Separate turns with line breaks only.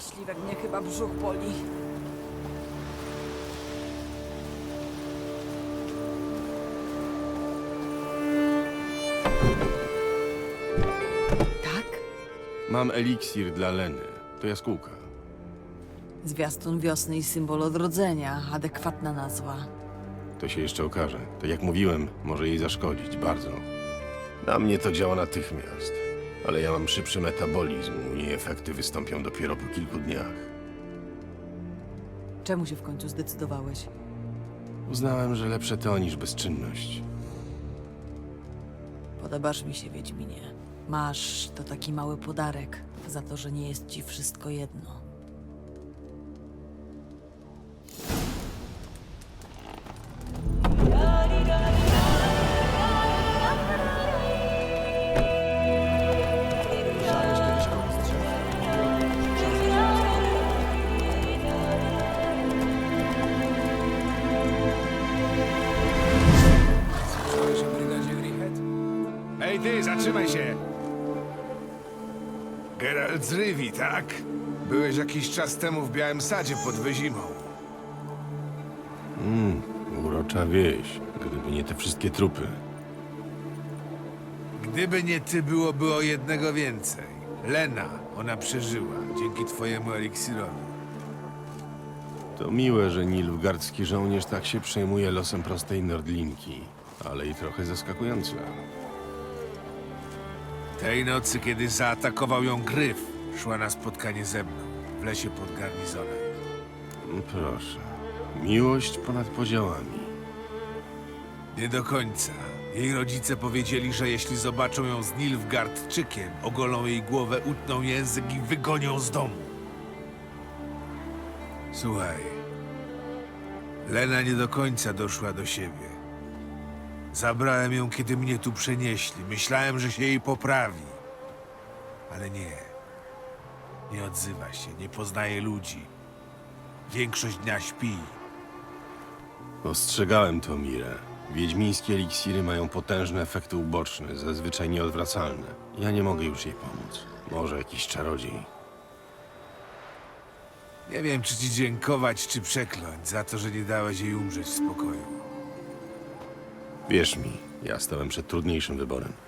Śliwek, mnie chyba brzuch boli. Tak?
Mam eliksir dla Leny. To jaskółka.
Zwiastun wiosny i symbol odrodzenia. Adekwatna nazwa.
To się jeszcze okaże. Tak jak mówiłem, może jej zaszkodzić bardzo. Na mnie to działa natychmiast. Ale ja mam szybszy metabolizm i jej efekty wystąpią dopiero po kilku dniach.
Czemu się w końcu zdecydowałeś?
Uznałem, że lepsze to niż bezczynność.
Podobasz mi się, Wiedźminie. Masz to taki mały podarek za to, że nie jest ci wszystko jedno.
Słyszałeś kiedyś kogoś z drzew? Słyszałeś o brygadzie Grihet?
Ej ty, zatrzymaj się! Geralt z Rivi, tak? Byłeś jakiś czas temu w Białym Sadzie pod Wyzimą.
Urocza wieś, gdyby nie te wszystkie trupy.
Gdyby nie ty, byłoby o jednego więcej. Lena, ona przeżyła, dzięki twojemu eliksirowi.
To miłe, że nilfgaardzki żołnierz tak się przejmuje losem prostej Nordlinki, ale i trochę zaskakujące.
Tej nocy, kiedy zaatakował ją Gryf, szła na spotkanie ze mną, w lesie pod garnizonem.
Proszę. Miłość ponad podziałami.
Nie do końca. Jej rodzice powiedzieli, że jeśli zobaczą ją z Nilfgaardczykiem, ogolą jej głowę, utną język i wygonią z domu. Słuchaj, Lena nie do końca doszła do siebie. Zabrałem ją, kiedy mnie tu przenieśli. Myślałem, że się jej poprawi. Ale nie. Nie odzywa się, nie poznaje ludzi. Większość dnia śpi.
Ostrzegałem to, Mirę. Wiedźmińskie eliksiry mają potężne efekty uboczne, zazwyczaj nieodwracalne. Ja nie mogę już jej pomóc. Może jakiś czarodziej.
Nie wiem, czy ci dziękować, czy przekląć za to, że nie dałeś jej umrzeć w spokoju.
Wierz mi, ja stałem przed trudniejszym wyborem.